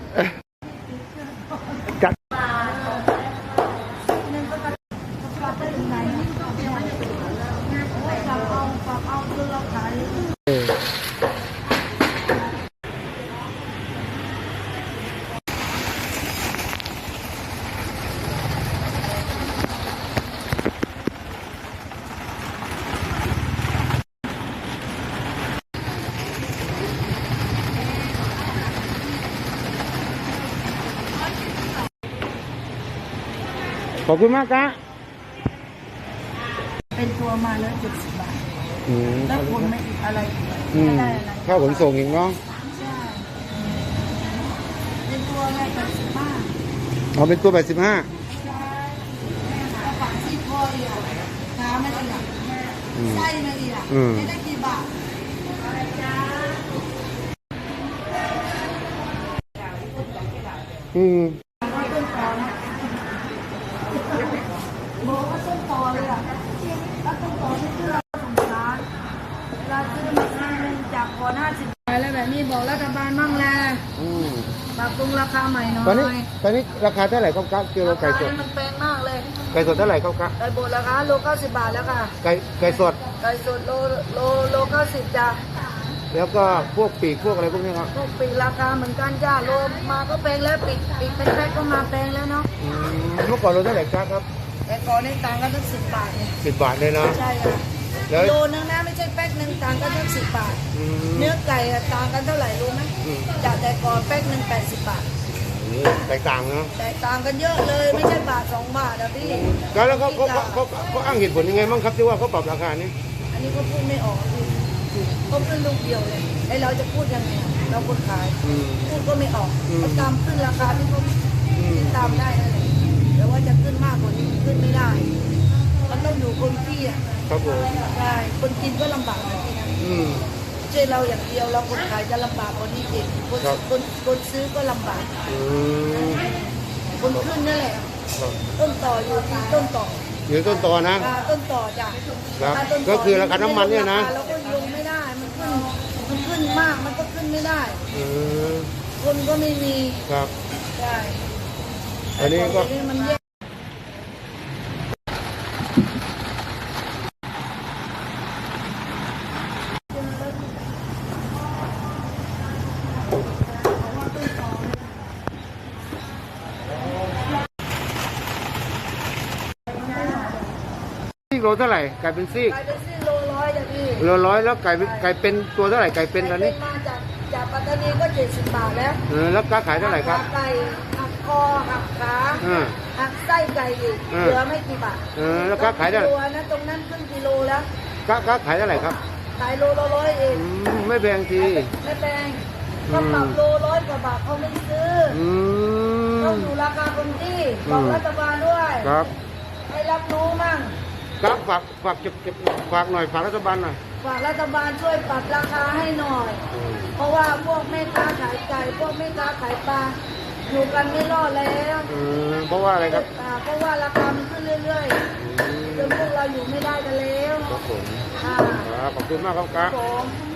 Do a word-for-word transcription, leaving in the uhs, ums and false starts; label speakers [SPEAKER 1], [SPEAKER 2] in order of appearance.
[SPEAKER 1] จัดขอบคุณมากครับ
[SPEAKER 2] เป็นตัวมาแล้วเจ็ดสิบบาทแล้วผลไม่อีกอะไรไม่ได้อะไร
[SPEAKER 1] ข้าวขนส่งอีกเนาะ
[SPEAKER 2] ใช่เป็นตัวแม่แปดสิบห้า
[SPEAKER 1] อ๋อเป็นตัวแปดสิบห้า
[SPEAKER 2] ใช่กระฝังซี่โครงอีกขาไม่ได้หนักไส้ไม่ดีอ่ะไม่ได้กี่บาท
[SPEAKER 1] อืม
[SPEAKER 2] บอกว่าต้นตอเลยอ่ะแล้วต้นตอที่ซื้อเราสงสารเราซื้อมาครั้งหนึ่งจากก่อนห้าสิบไปแล้วแบบนี้บอกรัฐบาลมั่งแหละปรับปรุงราคาใหม่หน่อย
[SPEAKER 1] ตอนนี้ตอนนี้ราคาเท่าไหร่ครับครับกิโลไก่สด
[SPEAKER 2] มันแพงมากเลย
[SPEAKER 1] ไก่สดเท่าไหร่ครับครับ
[SPEAKER 2] ไก่บดราคาโลเก้าสิบบาทแล้วค่ะ
[SPEAKER 1] ไก่ไก่สด
[SPEAKER 2] ไก่สดโลโลโลเก้าสิบจ้ะ
[SPEAKER 1] แล้วก็พวกปีกพวกอะไรพวกนี้ครับ
[SPEAKER 2] พวกปีกราคาเหมือนกันจ้าโลมาก็แพงแล้วปีกปีกเป็นแพ็คก็มาแพงแล้วเนาะ
[SPEAKER 1] เมื่อก่อนโลเท่าไหร่ครับครับ
[SPEAKER 2] แต่ก่อนในต่างกันตั้งสิบบาทเนี่ย
[SPEAKER 1] สิบบาทเลยเนาะ
[SPEAKER 2] ใช่ค่ะโลนึงนะไม่ใช่แป๊กหนึ่งต่างกันตั้งสิบบาทเนื้อไก่ต่างกันเท่าไหร่รู้ไหมจากแต่ก่อนแป๊กหนึ่งแปดสิบบาท
[SPEAKER 1] แตกต่างเนาะ
[SPEAKER 2] แตกต่างกันเยอะเลยไม่ใช่บาทสองบาทนะพี่
[SPEAKER 1] แล้วเขาเขาเขาเขาอ้างเหตุผลยังไงบ้างครับที่ว่าเขาปรับราคานี้
[SPEAKER 2] อันนี้ก็พูดไม่ออกพี่เขาขึ้นลูกเดียวเลยไอเราจะพูดยังไงเราคนขายพูดก็ไม่ออกก็ตามขึ้นราคาที่เขาตามได้นั่นแหละแต่ว่าจะขึ้นมากกว่านี้ขึ้นไม่ได้มันต้องอยู่คนที่อ่ะ
[SPEAKER 1] ครับผม
[SPEAKER 2] ใช่คนกินก็ลำบากแบบนี้นะเช่เราอย่างเดียวเราคนขายจะลำบากกว่านี้อีกคนคนคนซื้อก็ลำบากคนขึ้นนั่นแหละต้นต่ออยู่ที่ต้นต่อ
[SPEAKER 1] อยู่ต้นต่อนะ
[SPEAKER 2] ต้นต่อจ้ะ
[SPEAKER 1] ก็คือราคาน้ำมันเนี่ยนะ
[SPEAKER 2] เราก็ลงไม่ได้มันขึ้นมันขึ้นมากมันก็ขึ้นไม่ได้คนก็ไม่มี
[SPEAKER 1] ครับ
[SPEAKER 2] ใช่
[SPEAKER 1] อันนี้ก็
[SPEAKER 2] มันแย่
[SPEAKER 1] โลเท่าไหร่ไก่เป็นซี่
[SPEAKER 2] ไก่เป็นซี่โลร้อยจ้ะพี่
[SPEAKER 1] โลร้อยแล้วไก่ไก่เป็นตัวเท่าไหร่ไก่เป็นตอนนี้
[SPEAKER 2] มาจากจากปัตตานีก็เจ็ดสิบบาทแล้ว
[SPEAKER 1] เออแล้วค้าขายเท่าไหร่ครับ
[SPEAKER 2] ไก่หักคอหักขาหักไส้ไก่อีกเหลือไม่กี่บาท
[SPEAKER 1] เออแล้วค้าขายเท่าไหร่
[SPEAKER 2] ตัวนะตรงนั้นครึ่งกิโลแล้ว
[SPEAKER 1] ค้าค้าขายเท่าไหร่ครับ
[SPEAKER 2] ขายโลละร้อยเอง
[SPEAKER 1] ไม่แพงที
[SPEAKER 2] ไม่แพงก็ปรับโลร้อยกว่าบาทเขาไม่ซื้อต้องอยู่ราคาคงที่บอกรัฐบาลด้วย
[SPEAKER 1] ครับ
[SPEAKER 2] ให้รับรู้มั่ง
[SPEAKER 1] ครับฝากฝากเก็บเก็บฝากหน่อยฝากรัฐบาลหน่อย
[SPEAKER 2] ฝากรัฐบาลช่วยปรับราคาให้หน่อยเพราะว่าพวกแม่ค้าขายไก่พวกแม่ค้าขายปลาอยู่กันไม่รอดแล้ว
[SPEAKER 1] เพราะว่าอะไรครับ
[SPEAKER 2] เพราะว่าราคามันขึ้นเรื่อยๆจนพวกเราอยู่ไม่ได้กันแล้ว
[SPEAKER 1] ครับผมขอบคุณมากครับครับ